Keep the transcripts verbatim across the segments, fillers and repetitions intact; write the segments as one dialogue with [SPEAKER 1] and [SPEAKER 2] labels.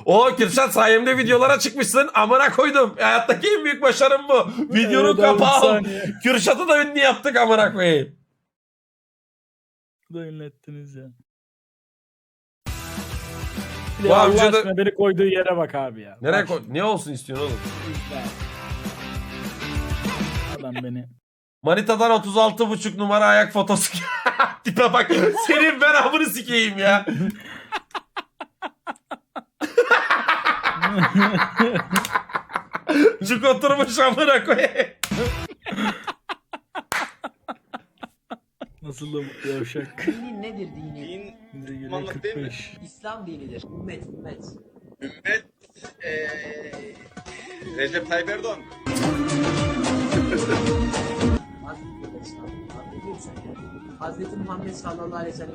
[SPEAKER 1] O Kürşat sayemde videolara çıkmışsın. Amına koydum. Hayattaki en büyük başarım bu. Videonun
[SPEAKER 2] Evet abi, bir
[SPEAKER 1] kapağı.
[SPEAKER 2] saniye.
[SPEAKER 1] Kürşat'ı da ünlü yaptık amına koyayım.
[SPEAKER 2] Da ünlettiniz ya.
[SPEAKER 1] Bu
[SPEAKER 2] Ya Allah
[SPEAKER 1] amca da-
[SPEAKER 2] aşkına beni koyduğu yere bak abi ya.
[SPEAKER 1] Nereye
[SPEAKER 2] Bak
[SPEAKER 1] koy?
[SPEAKER 2] şimdi.
[SPEAKER 1] Ne olsun istiyorsun oğlum?
[SPEAKER 2] Adam beni.
[SPEAKER 1] Manita'dan otuz altı buçuk numara ayak fotosu. Tipe bak. Senin ben amını sikeyim ya. Cuk oturmuş amına koyayım.
[SPEAKER 2] Nasıl da mutlu yavşak.
[SPEAKER 3] Dinin nedir dini?
[SPEAKER 4] Din
[SPEAKER 2] Bize göre
[SPEAKER 4] Müslümanlık değil mi?
[SPEAKER 2] kırk beş.
[SPEAKER 3] İslam dinidir. Ümmet, ümmet.
[SPEAKER 4] ümmet eee Recep Tayyip Erdoğan.
[SPEAKER 3] Hazreti İslam. Ne diyorsun sen ya? Hazreti Muhammed sallallahu aleyhi ve sellem.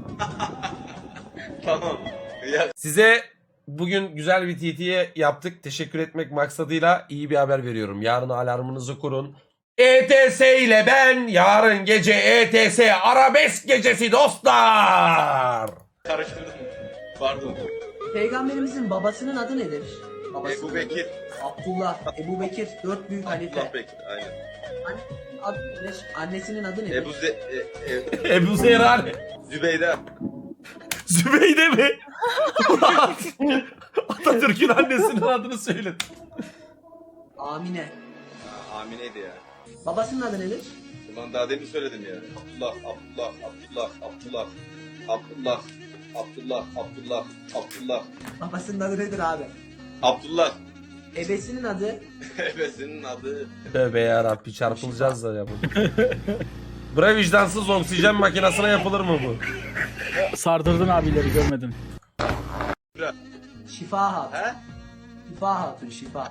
[SPEAKER 4] Tamam. Ya
[SPEAKER 1] Size bugün güzel bir T T'ye yaptık. Teşekkür etmek maksadıyla iyi bir haber veriyorum. Yarın alarmınızı kurun. E T S ile ben yarın gece E T S arabesk gecesi dostlar.
[SPEAKER 4] karıştırdım. Pardon.
[SPEAKER 3] Peygamberimizin babasının adı nedir? Babası.
[SPEAKER 4] Ebu Bekir.
[SPEAKER 3] Abdullah, Ebu Bekir, dört büyük
[SPEAKER 4] Abdullah
[SPEAKER 3] halife.
[SPEAKER 4] Bekir. Aynen.
[SPEAKER 3] Annesinin adı nedir? Annesinin adı nedir?
[SPEAKER 4] Ebu Ze... E, e,
[SPEAKER 1] Ebu Zehra
[SPEAKER 4] Zübeyde.
[SPEAKER 1] Zübeyde mi? Ulan, Atatürk'ün annesinin adını söyle.
[SPEAKER 3] Amine.
[SPEAKER 4] Ha, Amine'ydi ya.
[SPEAKER 3] Babasının adı nedir?
[SPEAKER 4] Ulan daha demin söyledim ya. Abdullah, Abdullah, Abdullah, Abdullah, Abdullah, Abdullah, Abdullah, Abdullah,
[SPEAKER 3] Babasının adı nedir abi?
[SPEAKER 4] Abdullah.
[SPEAKER 3] Ebesinin adı
[SPEAKER 4] Ebesinin adı.
[SPEAKER 1] Tövbe yarabbi çarpılacağız da ya bu. Bre vicdansız oksijen makinesine yapılır mı bu?
[SPEAKER 2] Sardırdın abileri görmedin.
[SPEAKER 3] Şifa Hatun.
[SPEAKER 4] He?
[SPEAKER 3] Şifa Hatun, Şifa.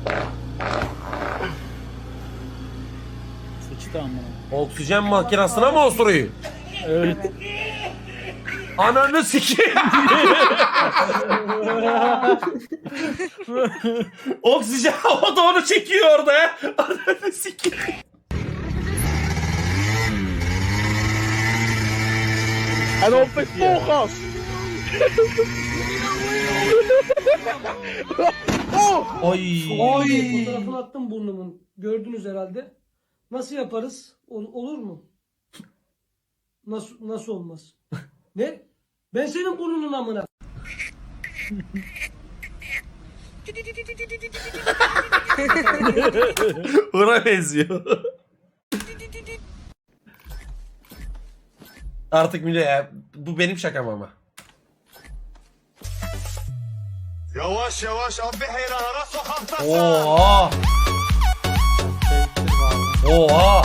[SPEAKER 2] Sıçtı amına.
[SPEAKER 1] Oksijen makinesine mi osuruyor?
[SPEAKER 2] Evet.
[SPEAKER 1] Ananı sikeyim. Oksijen o da onu çekiyor orada ya. Ananı sikeyim.
[SPEAKER 2] And open focus.
[SPEAKER 1] Ay.
[SPEAKER 5] Oy. Fotoğrafını attım burnumun. Gördünüz herhalde. Nasıl yaparız? Ol- olur mu? Nasıl nasıl olmaz? Ne? Ben senin burnunun amına.
[SPEAKER 1] Buna benziyor. Artık Mine ya. Bu benim şakam ama.
[SPEAKER 4] Yavaş yavaş abi heyrana sokakta.
[SPEAKER 1] Oha. Oha.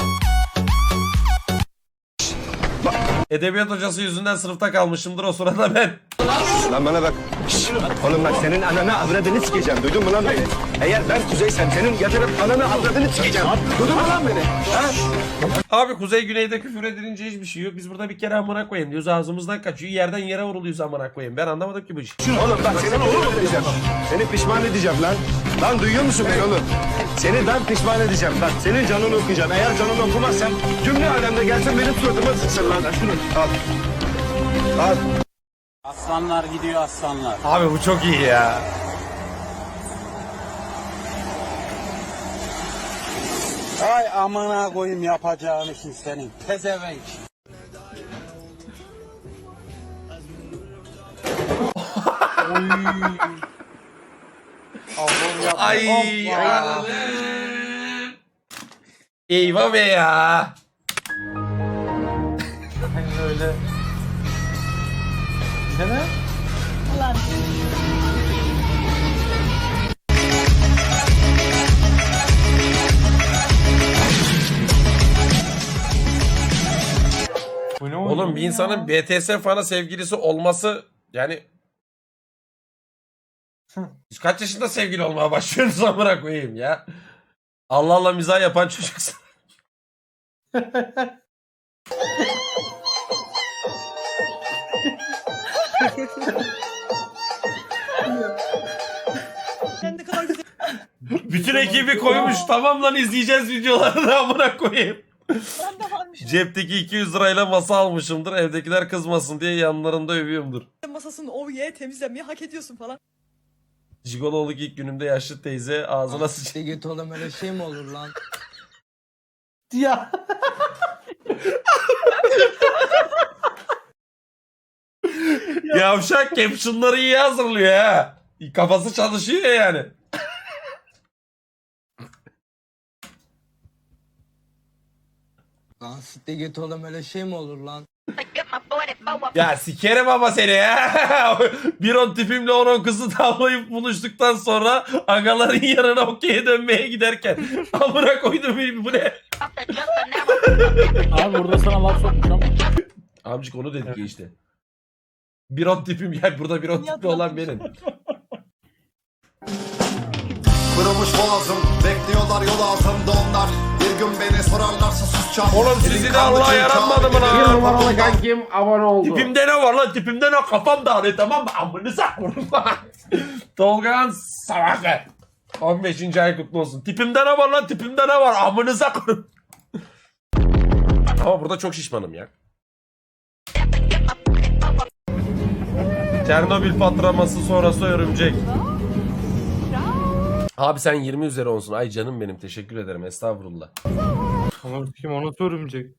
[SPEAKER 1] Edebiyat hocası yüzünden sınıfta kalmışımdır o sırada ben.
[SPEAKER 6] Lan bana bak. Şşş! Oğlum bak senin ananı avradını sikeceğim. Duydun mu lan beni? Eğer ben Kuzey'sem senin yatırıp ananı avradını sikeceğim. Duydun mu lan beni? Ha?
[SPEAKER 1] Abi kuzey güneyde küfür edilince hiçbir şey yok. Biz burada bir kere amına koyayım diyoruz, ağzımızdan kaçıyor. Yerden yere vuruluyoruz amına koyayım. Ben anlamadım ki bu işi.
[SPEAKER 6] Oğlum bak seni pişman edeceğim. Seni pişman edeceğim lan. Lan duyuyor musun beni oğlum? Seni ben pişman edeceğim. Bak senin canını okuyacağım. Eğer canını okumazsan cümle alemde gelsin benim suratıma sıksın lan. Şunu al. Al.
[SPEAKER 7] Aslanlar gidiyor aslanlar.
[SPEAKER 1] Abi bu çok iyi ya.
[SPEAKER 7] Ay amına koyayım yapacağın işin senin. Pezevenk.
[SPEAKER 1] Ay. ya. Eyvah be ya.
[SPEAKER 2] Öyle.
[SPEAKER 1] Oğlum bir insanın B T S fanı sevgilisi olması yani Siz kaç yaşında sevgili olmaya başlıyorsunuz amına koyayım ya. Allah Allah mizah yapan çocuksun. Bütün ekibi koymuş. Tamam lan izleyeceğiz videolarını amına koyayım.
[SPEAKER 8] Ben de varmış.
[SPEAKER 1] Cepteki iki yüz lirayla masa almışımdır. Evdekiler kızmasın diye yanlarında övüyorumdur.
[SPEAKER 8] Masasını oh yeah temizlemeyi hak ediyorsun falan.
[SPEAKER 1] Jigololuk ilk günümde yaşlı teyze ağzına sıçtı.
[SPEAKER 8] Git oğlum öyle şey mi olur lan?
[SPEAKER 2] Ya.
[SPEAKER 1] Yavşak captionları iyi hazırlıyor ha. Kafası çalışıyor yani.
[SPEAKER 8] Lan sitte git oğlum öyle şey mi olur lan?
[SPEAKER 1] Ya sikerim ama seni ya. Bir on tipimle on on kızı tavlayıp buluştuktan sonra agaların yanına okey'e dönmeye giderken. Amına koydum bu ne?
[SPEAKER 2] Abi burada sana laf sokmuş ama.
[SPEAKER 1] Amcık onu dedik ya işte. Bir on tipim yani burada bir on tipli olan benim.
[SPEAKER 9] Kırılmış boğazım, bekliyorlar yol altında onlar. Bir gün beni sorarlarsa susacağım.
[SPEAKER 1] Oğlum sizi de Allah'a yaranmadı mı lan?
[SPEAKER 9] Bir numaralı kankim
[SPEAKER 1] abone oldu. Tipimde ne var lan? Tipimde ne? Kafam dağılıyor tamam mı? Amınıza koyayım. Tolga'nın Savaşı. on beşinci ay kutlu olsun. Tipimde ne var lan? Tipimde ne var? Amınıza koyayım. Ama burada çok şişmanım ya. Çernobil patlaması sonrası örümcek. Abi sen yirmi üzeri olsun. Ay canım benim teşekkür ederim estağfurullah.
[SPEAKER 2] Ama kim ona sorumcak.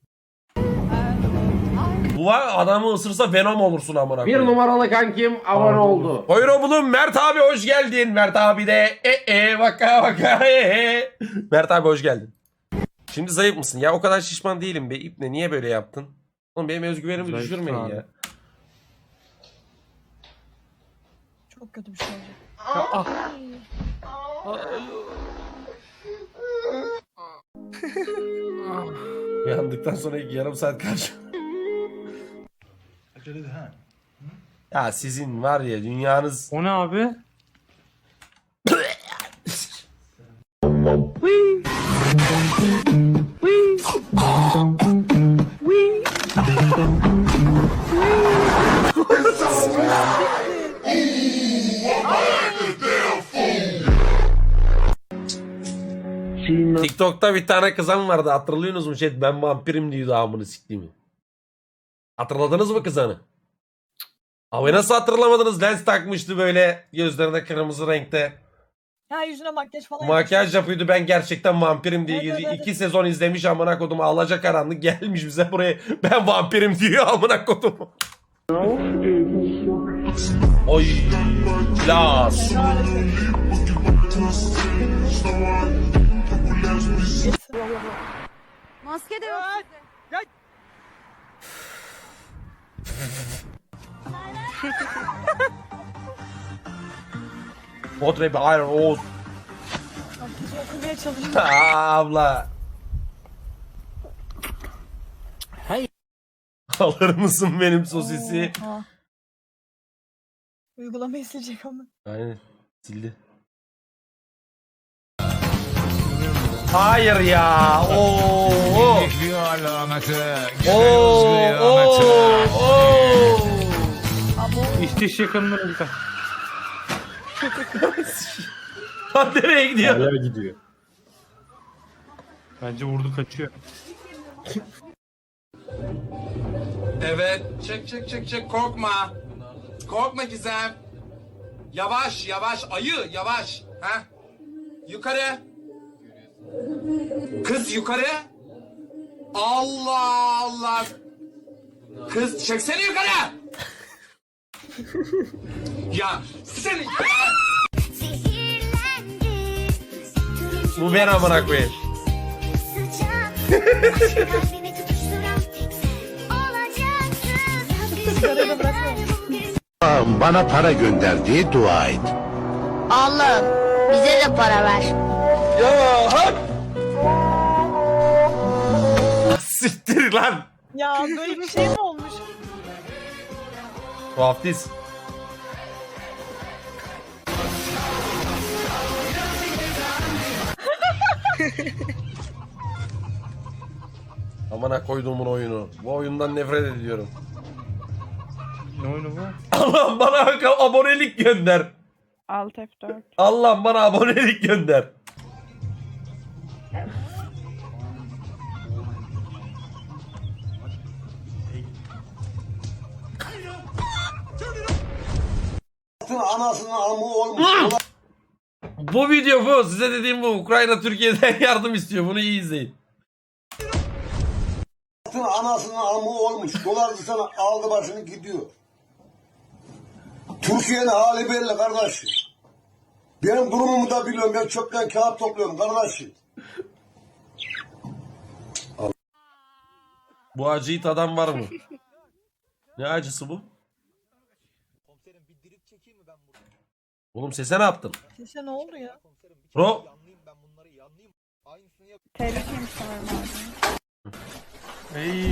[SPEAKER 1] Bu var adamı ısırsa Venom olursun amına koyayım.
[SPEAKER 10] Bir numaralı kankim abone oldu.
[SPEAKER 1] Buyurun bulun Mert abi hoş geldin. Mert abi de e e vaka vaka e e. Mert abi hoş geldin. Şimdi zayıf mısın? Ya o kadar şişman değilim be. İpne niye böyle yaptın? Oğlum benim özgüvenimi
[SPEAKER 2] Zayıf
[SPEAKER 1] düşürmeyin
[SPEAKER 2] abi.
[SPEAKER 1] ya.
[SPEAKER 11] Çok kötü bir şey olacak.
[SPEAKER 1] Uyandıktan sonra ilk yarım saat karşı. Ya sizin var ya dünyanız...
[SPEAKER 2] O ne abi?
[SPEAKER 1] TikTok'ta bir tane kızan vardı hatırlıyorsunuz mu? Şey, ben vampirim diyordu amını siktiğimi. Hatırladınız mı kızanı? Abi nasıl hatırlamadınız? Lens takmıştı böyle gözlerine kırmızı renkte.
[SPEAKER 11] Ha yüzüne makyaj falan
[SPEAKER 1] Makyaj yapıyordu ben gerçekten vampirim diye
[SPEAKER 11] Evet,
[SPEAKER 1] geziyor.
[SPEAKER 11] evet,
[SPEAKER 1] İki
[SPEAKER 11] evet.
[SPEAKER 1] sezon izlemiş amına kodum alacakaranlık gelmiş bize buraya ben vampirim diyor amına kodum. Oy las.
[SPEAKER 11] Maske de yok sizde.
[SPEAKER 1] Bot rapi Iron Oğuz.
[SPEAKER 11] Okumaya çalışıyorum.
[SPEAKER 1] Abla.
[SPEAKER 2] Hey.
[SPEAKER 1] Alır mısın benim sosisi?
[SPEAKER 11] Oha. Uygulamayı silecek ama.
[SPEAKER 1] Aynen sildi. Hayır ya. Oo. Oo. Oo. Oo.
[SPEAKER 2] İşte yakınlar bir tane.
[SPEAKER 1] Lan nereye gidiyor?
[SPEAKER 2] Hala gidiyor. Bence vurdu kaçıyor.
[SPEAKER 7] Evet, çek çek çek çek, korkma. Korkma Gizem. Yavaş yavaş, ayı yavaş. Ha? Yukarı. Kız yukarı. Allah Allah. Kız çeksene yukarı. Ya seni.
[SPEAKER 1] Bu ben amına koyayım.
[SPEAKER 11] Sigarayı da bırakıyorum.
[SPEAKER 6] Bana para gönderdiği dua et.
[SPEAKER 11] Allah'ım bize de para ver.
[SPEAKER 1] Siktir lan.
[SPEAKER 11] Ya böyle bir şey mi olmuş?
[SPEAKER 1] Tuhaftiz. Amına koyduğumun oyunu. Bu oyundan nefret ediyorum.
[SPEAKER 2] Ne oyunu bu?
[SPEAKER 1] Allah'ım bana abonelik gönder.
[SPEAKER 11] Alt F dört.
[SPEAKER 1] Allah'ım bana abonelik gönder.
[SPEAKER 7] Anasının amı olmuş.
[SPEAKER 1] Bu video bu. Size dediğim bu. Ukrayna Türkiye'den yardım istiyor. Bunu iyi izleyin.
[SPEAKER 7] Anasının amı olmuş. Dolarcı sana aldı başını gidiyor. Türkiye'nin hali belli kardeşim. Benim durumumu da biliyorum. Ben çöpten kağıt topluyorum kardeşim.
[SPEAKER 1] Bu acıyı tadan var mı? Ne acısı bu? Oğlum sese ne yaptın?
[SPEAKER 11] Sese ne oldu ya?
[SPEAKER 1] Bro.
[SPEAKER 11] Tehlikeliymiş sanırım abi.
[SPEAKER 2] Ey.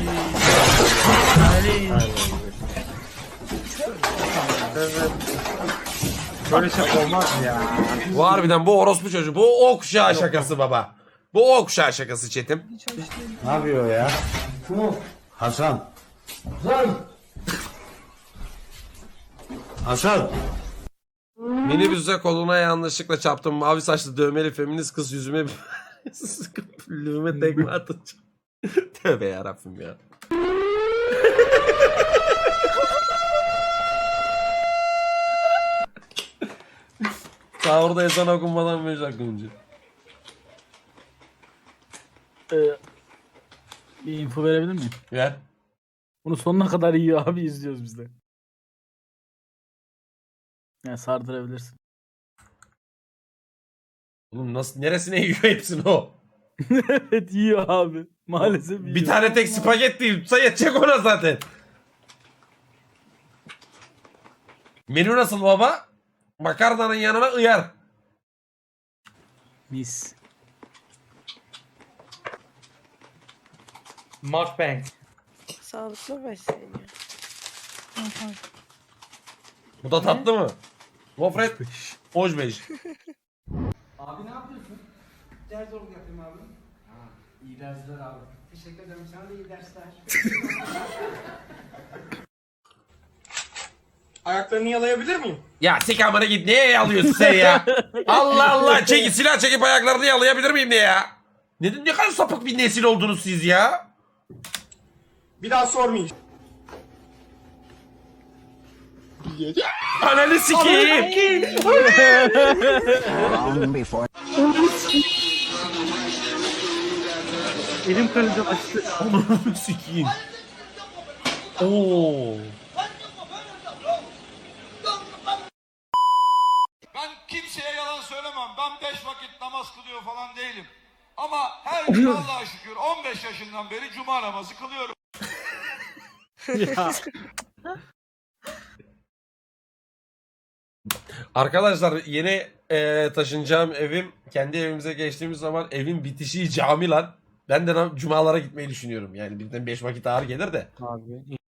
[SPEAKER 2] Böyle şey olmaz ya.
[SPEAKER 1] Bu harbiden bu orospu çocuğu. Bu o kuşağı şakası baba. Bu o kuşağı şakası Çetim.
[SPEAKER 6] Ne yapıyor ya? Hasan.
[SPEAKER 5] Lan
[SPEAKER 6] Hasan.
[SPEAKER 1] Minibüse koluna yanlışlıkla çarptım. Mavi saçlı dövmeli feminist kız yüzüme sıkıp lüğüme tekme atacağım. Tövbe yarabbim ya. Sahurda ezan okunmadan beş dakika önce.
[SPEAKER 2] Ee, bir info verebilir miyim?
[SPEAKER 1] Ver.
[SPEAKER 2] Bunu sonuna kadar yiyor abi, izliyoruz biz de. Yani sardırabilirsin.
[SPEAKER 1] Oğlum nasıl neresine yiyor hepsini o?
[SPEAKER 2] Evet yiyor abi. Maalesef yiyor.
[SPEAKER 1] Bir tane tek spagetti yutsa yetecek ona zaten. Menü nasıl baba? Makarnanın yanına ıyar.
[SPEAKER 2] Mis.
[SPEAKER 8] Mukbang.
[SPEAKER 11] Sağlıklı besleniyor.
[SPEAKER 1] Bu da tatlı mı? Gofret. Hoş beş.
[SPEAKER 3] Abi ne yapıyorsun? Ders zorluk yapayım abi. Ha, iyi dersler abi. Teşekkür ederim. Sana da iyi dersler.
[SPEAKER 8] Ayaklarını yalayabilir miyim?
[SPEAKER 1] Ya sik amına git, neye alıyorsun sen ya? Allah Allah, çekip silah çekip ayaklarını yalayabilir miyim ne ya? Ne, ne kadar sapık bir nesil oldunuz siz ya?
[SPEAKER 8] Bir daha sormayacağım.
[SPEAKER 1] Ananı sikeyim.
[SPEAKER 2] Elim kaydı açtı.
[SPEAKER 1] Ananı sikeyim. Oo.
[SPEAKER 9] Ben kimseye yalan söylemem. Ben beş vakit namaz kılıyor falan değilim. Ama her gün Allah'a şükür on beş yaşından beri cuma namazı kılıyorum.
[SPEAKER 2] Ya.
[SPEAKER 1] Arkadaşlar yeni e, taşınacağım evim, kendi evimize geçtiğimiz zaman evin bitişiği cami lan. Ben de nam- cumalara gitmeyi düşünüyorum. Yani birden beş vakit ağır gelir de.
[SPEAKER 2] Abi